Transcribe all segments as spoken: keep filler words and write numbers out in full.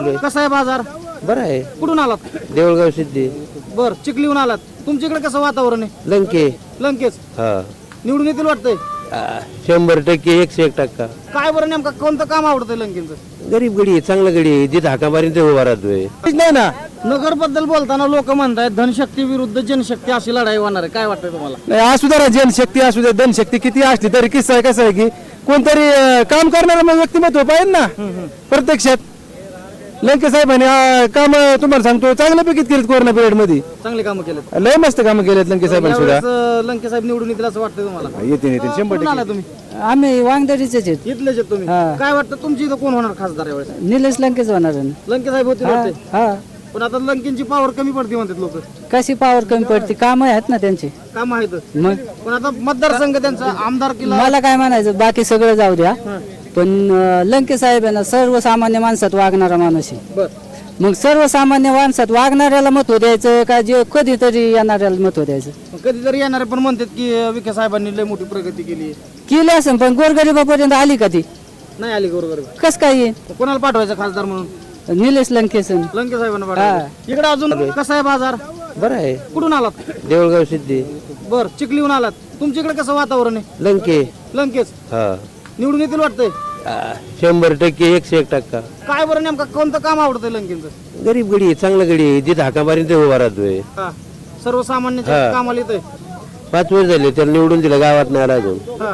चालू आहे. कसा आहे बाजार? बरं आहे. कुठून आलात? देऊळगाव सिद्धी. बर, चिखलीहून आलात. तुमच्याकडे कसं वातावरण आहे? लंके. लंकेच हा निवडून येतील वाटतंय? आ, शंभर टक्के एकशे एक टक्का. काय बरं नेमका कोणतं काम आवडतंय लंकेचं? गरीब गडी आहे, चांगलं गडी आहे, जिथं हाका मारीन ते उभा राहतोय. नाही ना. नगर बद्दल बोलताना लोक म्हणतात धनशक्ती विरुद्ध जनशक्ती अशी लढाई होणार आहे. काय वाटतंय तुम्हाला? नाही असू द्या, जनशक्ती असू द्या, धनशक्ती किती असली तरी किस्सा आहे कसं आहे की कोणतरी अं, काम करणारं मग व्यक्तिमत्व पाहिजे ना प्रत्यक्षात. लंके साहेबांनी अं, काम तुम्हाला सांगतो चांगल्यापैकी केलीत कोरोना पिरियड मध्ये. चांगले कामं केलेत. लय मस्त कामं केलेत लंके साहेबांनी सुद्धा. यावेळेस, अं, लंके साहेब निवडून येतील असं वाटतंय तुम्हाला? येते येते शंभर कुठून आला टक्के. तुम्ही? आम्ही वांगदरीचेच आहेत. इथलेच आहेत तुम्ही. हा. काय वाटतं तुमची इथं कोण होणार खासदार यावेळेस? निलेश लंकेच होणार आहे ना. लंके साहेब होते हा वाटतंय. हा. पण आता लंकेंची पॉवर कमी पडते म्हणतात लोक. कशी पावर कमी पडते, काम आहेत ना त्यांची. काम आहेत मग पण आता मतदारसंघ त्यांचा आमदार किल्ला. मला काय म्हणायचं, बाकी सगळं जाऊ द्या, पण अं, लंके साहेब आहे ना सर्वसामान्य माणसात वागणारा माणूस आहे. बर, मग सर्वसामान्य माणसात वागणाऱ्याला महत्व द्यायचं का जे कधीतरी येणाऱ्याला महत्व द्यायचं? कधीतरी येणारे पण म्हणतात की विखे साहेबांनी लय मोठी प्रगती केली. केली असेल पण गोरगरिबापर्यंत आली का ती? नाही आली बरोबर. कस काय येईल? कोणाला पाठवायचं खासदार म्हणून? निलेश लंकेच. लंके साहेबांना पाठवायचं. इकडे अजून कसा आहे बाजार? बरं आहे. कुठून आलात? देऊळगाव सिद्धी. बर, चिखलीहून आलात. तुमच्याकडे कसं वातावरण आहे? लंके. लंकेच हा निवडून येतील वाटतंय? आ, शंभर टक्के एकशे एक टक्का. काय बरं नेमका कोणतं काम आवडतंय लंकेचं? गरीब गडी आहे, चांगलं गडी आहे, जिथं हाका मारीन ते उभा राहतोय. हा, सर्वसामान्यांच्या हा. कामाला येतंय. पाच वर्ष झाले त्याला निवडून दिलं, गावात नाही आला अजून. हा.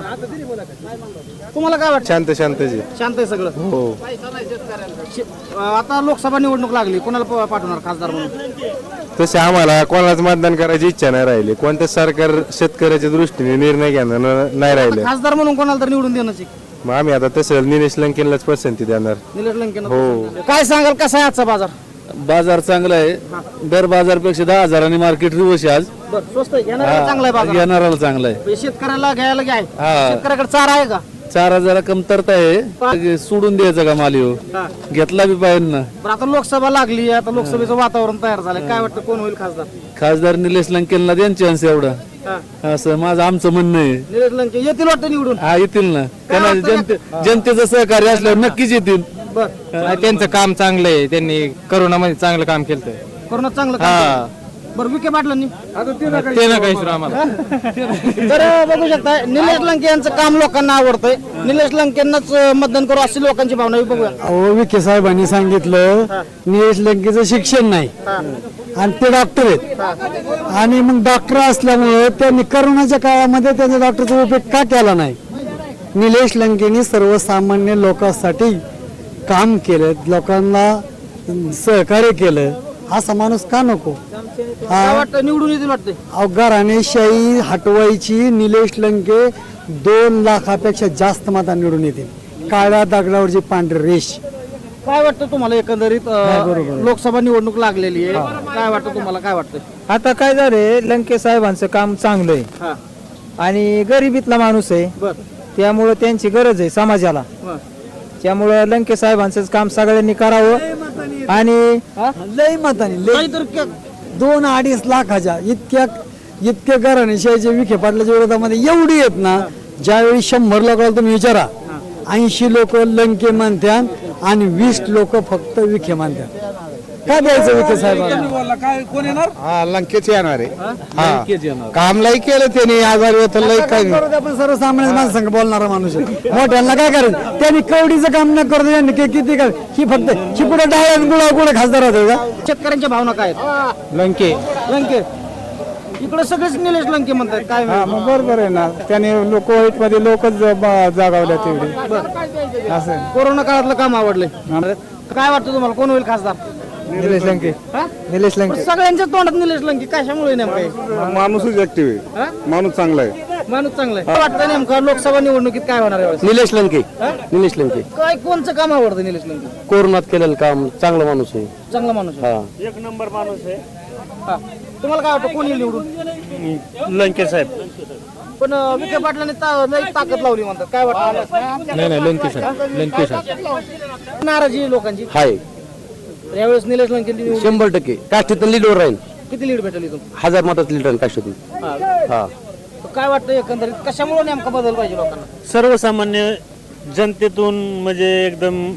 तुम्हाला काय वाटतं? शांत शांतजी. शांत आहे सगळं. हो शे- आता लोकसभा निवडणूक लागली, कोणाला प- पाठवणार खासदार म्हणून? तसे आम्हाला कोणालाच मतदान करायची इच्छा नाही राहिली. कोणतं सरकार शेतकऱ्याच्या दृष्टीने निर्णय घेणार न- नाही राहिले. खासदार म्हणून कोणाला तर निवडून देण्याची. मग आम्ही आता तसं निलेश लंकेलाच पसंती देणार. निलेश लंके. हो. काय सांगाल कसा आहे आजचा बाजार? बाजार चांगला आहे. दर बाजारपेक्षा दहा हजारांनी मार्केट रिवर्स आहे आज. बर, स्वस्त आहे. घेणाऱ्याला चांगला आहे बाजार. येणाराला चांगला आहे. म्हणजे शेतकऱ्याला घ्यायला घ्याय. हा. शेतकऱ्याकडे चारा आहे का? चार हजारा कमतरता आहे, सोडून द्यायचं का माल ह्यो? हा. घेतला बी पाहिजे ना. बरं, आता लोकसभा लागली, आता लोकसभेचं वातावरण तयार झालंय. काय वाटतं कोण होईल खासदार? खासदार निलेश लंकेला द्या चान्स एवढा, हा. असं माझं आमचं म्हणणं आहे. निलेश लंके येतील वाटतं निवडून. हा, येतील ना. त्यांना जनते जनतेचं सहकार्य असल्यावर नक्कीच येतील. बर, त्यांचं काम चांगलं आहे. त्यांनी करोनामध्ये चांगलं काम केलं. कोरोना चांगलं काम केलं. बरं, विखे पाटलांनी ते ना काही आम्हाला तर बघू शकता निलेश लंके यांचं काम लोकांना आवडतंय. निलेश लंकेंनाच मतदान करू अशी लोकांची भावना आहे. बघूया. अहो विखे साहेबांनी सांगितलं निलेश लंकेचं शिक्षण नाही आणि ते डॉक्टर आहेत आणि मग डॉक्टर असल्यामुळे त्यांनी करोनाच्या काळामध्ये त्यांच्या डॉक्टरचा उपयोग का केला नाही? निलेश लंकेनी सर्वसामान्य लोकांसाठी काम केलं, लोकांना सहकार्य केलं. असा माणूस का नको? काय वाटतं निवडून येतील वाटतंय? अवघराणेशाही हटवायची निलेश लंके दोन लाखापेक्षा जास्त मता निवडून येतील. काळ्या दगडावरची पांढरी रेष. काय वाटतं तुम्हाला एकंदरीत? अं, लोकसभा निवडणूक लागलेली आहे. काय वाटतं तुम्हाला? काय वाटतंय? आता काय झालंय, लंके साहेबांचं काम चांगलं आहे हा. आणि गरिबीतला माणूस आहे. बर, त्यामुळं त्यांची गरज आहे समाजाला. बर. त्यामुळं लंके साहेबांचं काम सगळ्यांनी करावं. आणि लय मताने लय काहीतरी के- दोन अडीच लाखाच्या इतक्या इतक्या घराणेशाहीच्या विखे पाटलाच्या विरोधामध्ये एवढी आहेत ना, ज्यावेळी शंभर लोकांना तुम्ही विचारा, ऐंशी लोक लंके म्हणतात आणि वीस लोक फक्त विखे म्हणतात. काय द्यायचं विखे साहेबांना? हा लंकेच येणार आहे. लंकेच येणार. काम लई केलं त्यांनी, आजारी होतं लई काही नाही. आपण सर्वसामान्य माणसांग बोलणारा माणूस आहे. मोठ्यांना काय करायचं? त्यांनी कवडीचं काम न करतो, त्यांनी कि- किती काय ही फक्त ही पुढे डाळ गुळा गुळ खासदार होते का? शेतकऱ्यांच्या भावना काय आहेत? लंके लंके इकडे सगळेच निलेश लंके म्हणतात. काय मग बरोबर आहे ना, त्याने लोक वाईट मध्ये लोकच जागावल्या तेवढे असं. कोरोना काळातलं काम आवडलंय. काय वाटतं तुम्हाला कोण होईल खासदार? निलेश लंके. हा? निलेश लंके सगळ्यांच्या तोंडात निलेश लंके कशामुळे नेमकं? माणूसच ऍक्टिव्ह आहे, माणूस चांगला आहे. माणूस चांगला आहे. काय वाटतं नेमकं लोकसभा निवडणुकीत काय होणार आहे यावेळेस? निलेश लंके. निलेश लंके काय कोणचं काम आवडतं निलेश लंके? कोरोनात केलेलं काम, चांगला माणूस आहे. चांगला माणूस आहे. हा. एक नंबर माणूस आहे. हा. तुम्हाला काय वाटतं कोण येईल निवडून? लंके साहेब. पण अं, विखे पाटलांनी ता- लई ताकद लावली म्हणतात. काय वाटतं? नाही नाही लंके साहेब. लंके साहेब नाराजी आहे लोकांची. हाय यावेळेस निलेश लंके निवडून शंभर टक्के काष्टीतून लीडवर राहील. किती लीड भेटेल इथून? हजार मतात लीड राहील काष्टीतून. हा. हा. तर काय वाटतं एकंदरीत कशामुळे नेमका बदल पाहिजे लोकांना? सर्वसामान्य जनतेतून म्हणजे एकदम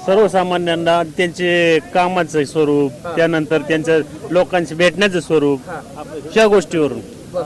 सर्वसामान्यांना त्यांचे कामाचं स्वरूप, त्यानंतर त्यांचं लोकांशी भेटण्याचं स्वरूप, ह्या गोष्टीवरून.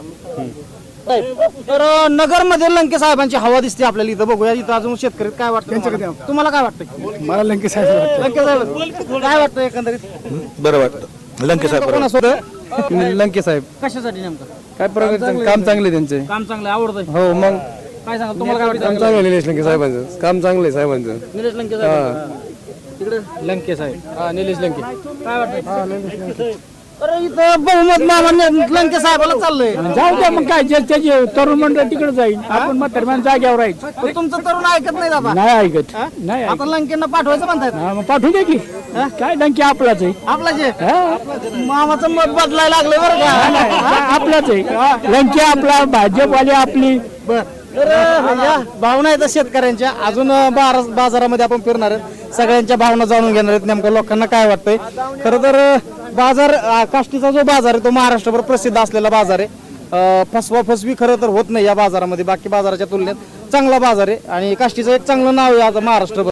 तर नगर मध्ये लंके साहेबांची हवा दिसते आपल्याला इथं. बघूया इथं अजून शेतकरी काय वाटतं तुम्हाला? तुम्हाला काय वाटतं? मला लंके साहेब लंके साहेब काय वाटतं एकंदरीत? बरं वाटतं लंके साहेब कोणासोबत? लंके साहेब कशासाठी नेमकं? काय प्रकारचं काम चांगले त्यांचे. काम चांगलं आवडतंय. हो मग काय सांगा तुम्हाला काय वाटतं? काम चांगलं निलेश लंके साहेबांचं काम चांगलं आहे साहेबांचं. निलेश लंके साहेब तिकडे लंके साहेब हा निलेश लंके काय वाटतं? अरे इथं बहुमत मामान्य लंके साहेबाला चाललंय. जाऊ द्या मग काय जे त्याचे तरुण मंडळ तिकडे जाईल आपण म्हातारमान जाग्यावर राहायचं. पण तुमचं तरुण ऐकत नाही दादा. नाही ऐकत नाही आता लंकेंना पाठवायचं म्हणतायत. हा, मग पाठवू दे की काय डंकी आपलाच आहे. आपला जे हा, मामाचं मत बदलायला लागलं बरं का. आपलाच आहे लंकी आपला भाजपवाली आपली. तर या भावना आहेत शेतकऱ्यांच्या. अजून बारा बाजारामध्ये आपण फिरणार आहेत, सगळ्यांच्या भावना जाणून घेणार आहेत, नेमकं लोकांना काय वाटतंय. खरं तर बाजार अं, काष्टीचा जो बाजार आहे तो महाराष्ट्रभर प्रसिद्ध असलेला बाजार आहे. अं, फसवा फसवी खरं तर होत नाही या बाजारामध्ये. बाकी बाजाराच्या तुलनेत चांगला बाजार आहे आणि काष्टीचं एक चांगलं नाव आहे आज महाराष्ट्रभर.